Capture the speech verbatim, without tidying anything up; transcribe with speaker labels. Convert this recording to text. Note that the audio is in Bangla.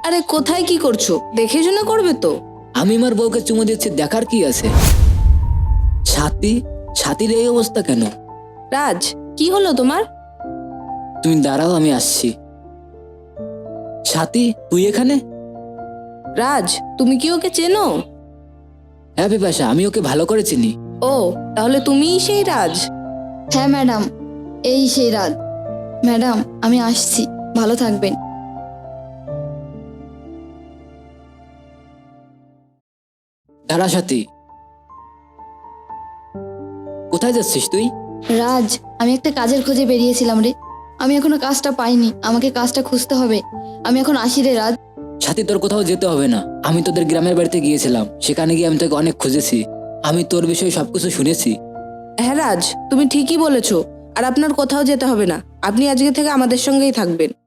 Speaker 1: আরে কোথায় কি করছো? দেখে শুনে করবে তো।
Speaker 2: আমি আমার বউকে চুমু দিচ্ছি, দেখার কি আছে? সাথী, সাথীর এই অবস্থা কেন?
Speaker 1: রাজ, কি হলো তোমার?
Speaker 2: তুমি দাঁড়াও, আমি আসছি। সাথী, তুই এখানে?
Speaker 1: রাজ, তুমি কি ওকে চেনো?
Speaker 2: হ্যাঁ বিপাশা, আমি ওকে ভালো করে চিনি।
Speaker 1: ও, তাহলে তুমিই সেই রাজ।
Speaker 3: হ্যাঁ ম্যাডাম, এই সেই রাত। ম্যাডাম, আমি আসছি, ভালো থাকবেন।
Speaker 2: দাঁড়া সাথী, কোথায় যাচ্ছিস তুই?
Speaker 3: রাজ, আমি একটা কাজের খোঁজে বেরিয়েছিলাম রে। আমি এখনো কাজটা পাইনি, আমাকে কাজটা খুঁজতে হবে। আমি এখন আসি রে রাজ।
Speaker 2: সাথী, তোর কোথাও যেতে হবে না। আমি তোদের গ্রামের বাড়িতে গিয়েছিলাম, সেখানে গিয়ে আমি তোকে অনেক খুঁজেছি। আমি তোর বিষয়ে সবকিছু শুনেছি।
Speaker 1: হ্যাঁ রাজ, তুমি ঠিকই বলেছো। আর আপনার কোথাও যেতে হবে না, আপনি আজকে থেকে আমাদের সঙ্গেই থাকবেন।